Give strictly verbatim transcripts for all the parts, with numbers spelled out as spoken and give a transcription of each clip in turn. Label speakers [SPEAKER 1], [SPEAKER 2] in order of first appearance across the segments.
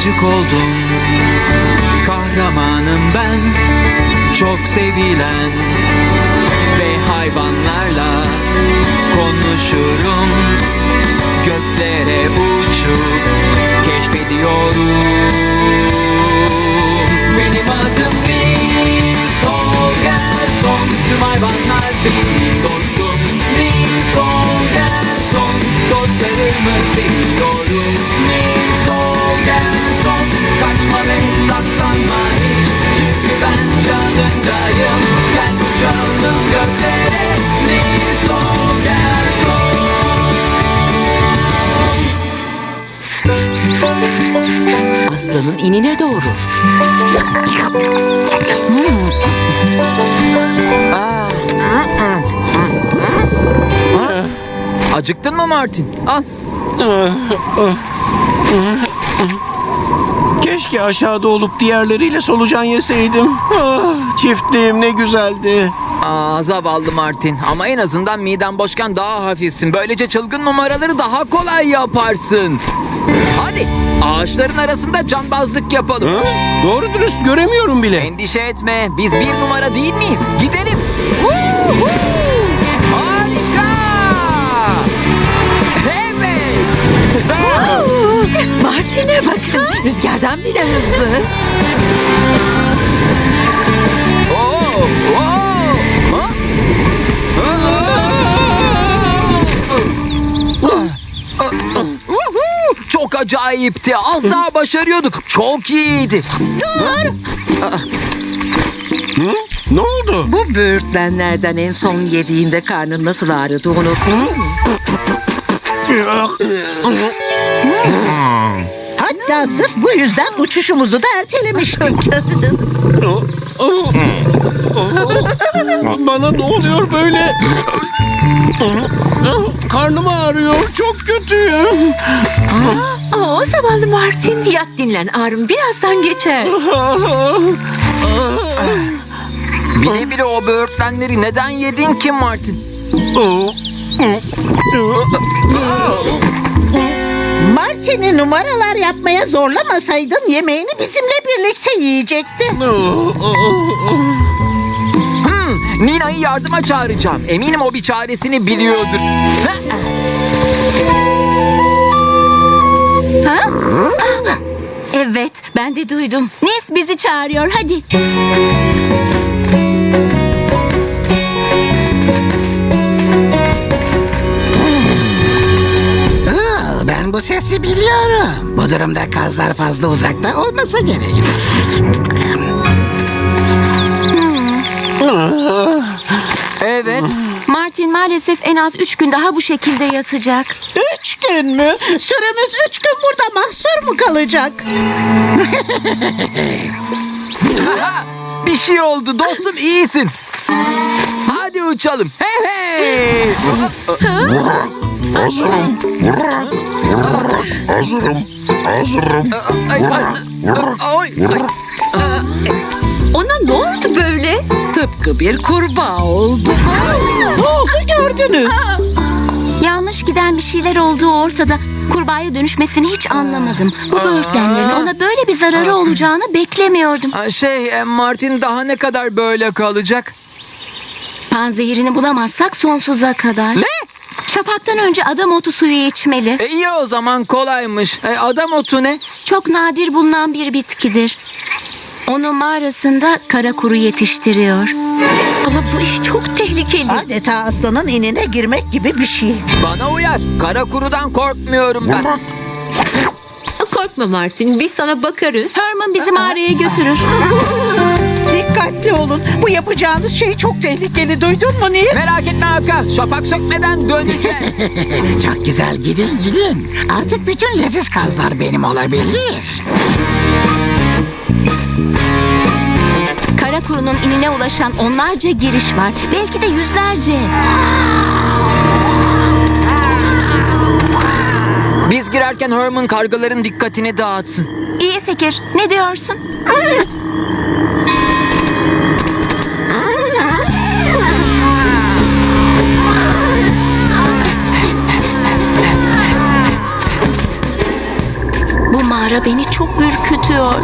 [SPEAKER 1] ayıcık oldum. Kahramanım ben, çok sevilen. Ve hayvanlarla konuşurum. Göklere uçup keşfediyorum. Benim adım Nils Holgersson. Tüm hayvanlar benim dostum. Nils Holgersson. Dostlarımı seviyorum. Nils Holgersson. Kaçma ve saklanma hiç. Çünkü ben yanındayım. Gel uçalım göklere. Nils Holgersson.
[SPEAKER 2] Aslanın inine doğru. Hmm. Aa. Ha? Acıktın mı Martin? Al.
[SPEAKER 3] Keşke aşağıda olup diğerleriyle solucan yeseydim. Ah, çiftliğim ne güzeldi.
[SPEAKER 2] Aa, zavallı Martin. Ama en azından miden boşken daha hafifsin. Böylece çılgın numaraları daha kolay yaparsın. Hadi ağaçların arasında cambazlık yapalım.
[SPEAKER 3] Ha? Doğru dürüst göremiyorum bile.
[SPEAKER 2] Endişe etme. Biz bir numara değil miyiz? Gidelim. Woo-hoo! Harika! Evet.
[SPEAKER 4] Martin'e bakın. Rüzgardan bile hızlı.
[SPEAKER 2] Oo, oo, ha? Woohoo! Çok acayipti. Az daha başarıyorduk. Çok iyiydi.
[SPEAKER 3] Hı? Ne oldu?
[SPEAKER 4] Bu böğürtlenlerden en son yediğinde karnın nasıl ağrıdı unuttun mu? Hatta sırf bu yüzden uçuşumuzu da ertelemiştik.
[SPEAKER 3] Bana ne oluyor böyle? Karnım ağrıyor. Çok kötüyüm.
[SPEAKER 4] Oo, zavallı Martin. Yat dinlen, ağrım birazdan geçer.
[SPEAKER 2] Bile bile o böğürtlenleri neden yedin ki Martin?
[SPEAKER 4] Martin'i numaralar yapmaya zorlamasaydın yemeğini bizimle birlikte yiyecekti.
[SPEAKER 2] Hmm, Nina'yı yardıma çağıracağım. Eminim o bir çaresini biliyordur.
[SPEAKER 5] Ha? Ah, evet, ben de duydum. Nils bizi çağırıyor, hadi.
[SPEAKER 6] Aa, ben bu sesi biliyorum. Bu durumda kazlar fazla uzakta olmasa gerek.
[SPEAKER 2] Evet.
[SPEAKER 5] Martin maalesef en az üç gün daha bu şekilde yatacak.
[SPEAKER 4] Üç gün mü? Süremiz üç gün burada mahsur mu kalacak?
[SPEAKER 2] Bir şey oldu dostum, iyisin. Hadi uçalım. Hey hey.
[SPEAKER 7] Hazırım. Hazırım. Hazırım.
[SPEAKER 2] Ay, ay, ay, ay.
[SPEAKER 4] Ona ne oldu böyle? Tıpkı bir kurbağa oldu. Ne oldu gördünüz?
[SPEAKER 5] Yanlış giden bir şeyler olduğu ortada. Kurbağaya dönüşmesini hiç anlamadım. Bu böğürtlenlerin ona böyle bir zararı olacağını beklemiyordum.
[SPEAKER 2] Aa, Şey, e, Martin daha ne kadar böyle kalacak?
[SPEAKER 5] Panzehirini bulamazsak sonsuza kadar.
[SPEAKER 2] Ne?
[SPEAKER 5] Şafaktan önce adam otu suyu içmeli.
[SPEAKER 2] E, iyi o zaman, kolaymış. E, adam otu ne?
[SPEAKER 5] Çok nadir bulunan bir bitkidir. Onu mağarasında kara kuru yetiştiriyor.
[SPEAKER 4] Ama bu iş çok tehlikeli. Adeta aslanın inine girmek gibi bir şey.
[SPEAKER 2] Bana uyar. Kara kurudan korkmuyorum ben.
[SPEAKER 4] Korkma Martin, biz sana bakarız.
[SPEAKER 5] Herman bizi mağaraya götürür.
[SPEAKER 4] Dikkatli olun. Bu yapacağınız şey çok tehlikeli. Duydun mu Nils?
[SPEAKER 2] Merak etme Hakan. Şafak sökmeden döneceğiz.
[SPEAKER 6] Çok güzel, gidin gidin. Artık bütün leziz kazlar benim olabilir.
[SPEAKER 5] Kara kurunun inine ulaşan onlarca giriş var. Belki de yüzlerce.
[SPEAKER 2] Biz girerken Herman kargaların dikkatini dağıtsın.
[SPEAKER 5] İyi fikir. Ne diyorsun? manzara beni çok ürkütüyor.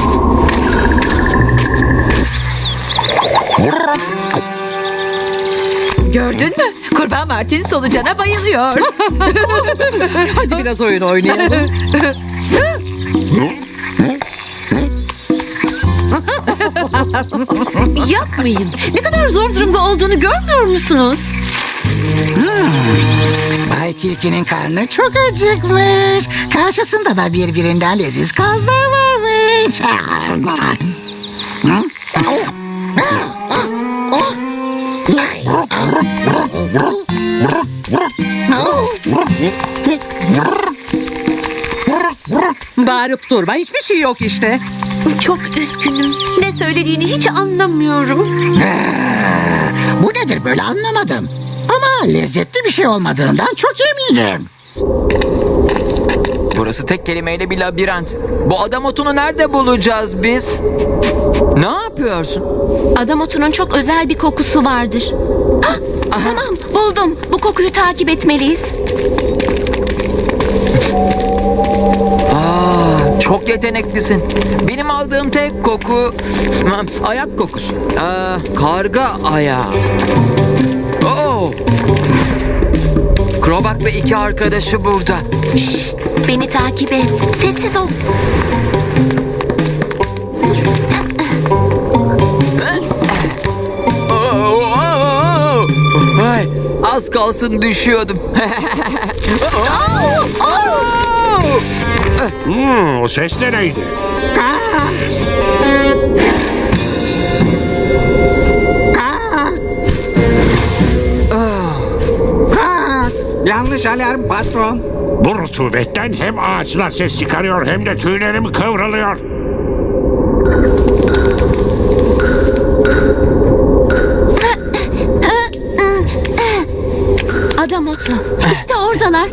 [SPEAKER 4] Gördün mü? Kurbağa Martin solucana bayılıyor. Hadi biraz oyun oynayalım. Yapmayın. Ne kadar zor durumda olduğunu görmüyor musunuz?
[SPEAKER 6] Bay Tilki'nin karnı çok acıkmış. Karşısında da birbirinden leziz kazlar varmış.
[SPEAKER 4] Bağırıp durma. Hiçbir şey yok işte.
[SPEAKER 5] Çok üzgünüm.
[SPEAKER 4] Ne söylediğini hiç anlamıyorum.
[SPEAKER 6] Bu nedir böyle anlamadım. Ama lezzetli bir şey olmadığından çok eminim.
[SPEAKER 2] Burası tek kelimeyle bir labirent. Bu adam otunu nerede bulacağız biz? Ne yapıyorsun?
[SPEAKER 5] Adam otunun çok özel bir kokusu vardır. Hah, tamam buldum. Bu kokuyu takip etmeliyiz.
[SPEAKER 2] Aa, çok yeteneklisin. Benim aldığım tek koku hmm, ayak kokusu. Aa, karga ayağı. Oo. Krobak ve iki arkadaşı burada.
[SPEAKER 5] Şşt, beni takip et. Sessiz ol.
[SPEAKER 2] Oo, oo. Ay, az kalsın düşüyordum.
[SPEAKER 7] Hmm, o ses de neydi?
[SPEAKER 6] Yanlış alarm patron.
[SPEAKER 7] Bu rutubetten hem ağaçlar ses çıkarıyor hem de tüylerim kıvrılıyor.
[SPEAKER 5] Adam otu. İşte oradalar.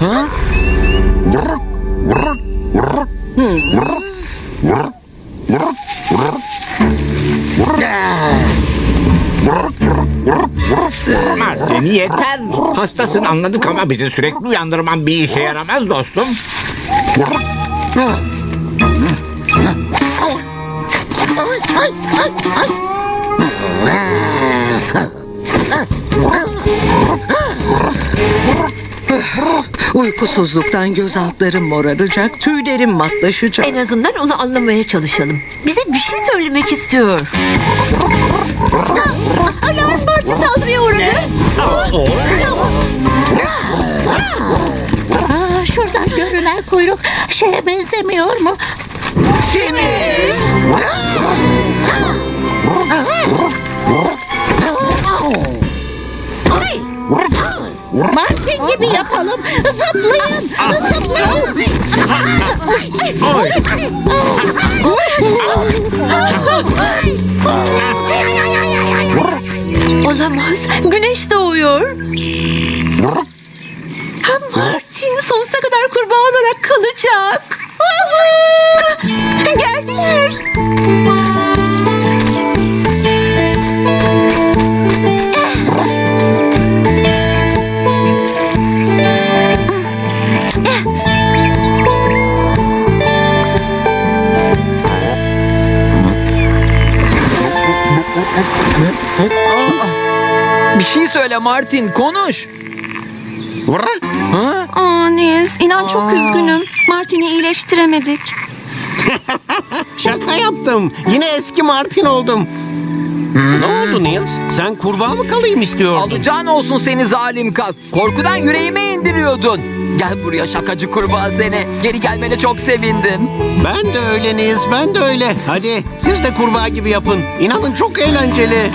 [SPEAKER 8] Martin yeter. Hastasın anladık ama bizi sürekli uyandırman bir işe yaramaz dostum.
[SPEAKER 4] Uykusuzluktan göz altlarım moraracak, tüylerim matlaşacak.
[SPEAKER 9] En azından onu anlamaya çalışalım. Bize bir şey söylemek istiyor. Alarm Martı saldırıya uğradı.
[SPEAKER 4] Aa, şuradan görünen kuyruk şeye benzemiyor mu? Simit! Martin gibi yapalım. Zıplayın. Zıplayın.
[SPEAKER 9] Olamaz. Güneş doğuyor. Ha, Martin sonsuza kadar kurbağa olarak kalacak. Geldiler.
[SPEAKER 2] Bir şey söyle Martin, konuş. Ha?
[SPEAKER 5] Aa Nils, inan çok üzgünüm. Martin'i iyileştiremedik.
[SPEAKER 3] Şaka yaptım. Yine eski Martin oldum. Ne oldu Niels? Sen kurbağa mı kalayım istiyordun?
[SPEAKER 2] Alacağın olsun seni zalim kaz. Korkudan yüreğime indiriyordun. Gel buraya şakacı kurbağa seni. Geri gelmene çok sevindim.
[SPEAKER 3] Ben de öyle Niels, ben de öyle. Hadi siz de kurbağa gibi yapın. İnanın çok eğlenceli.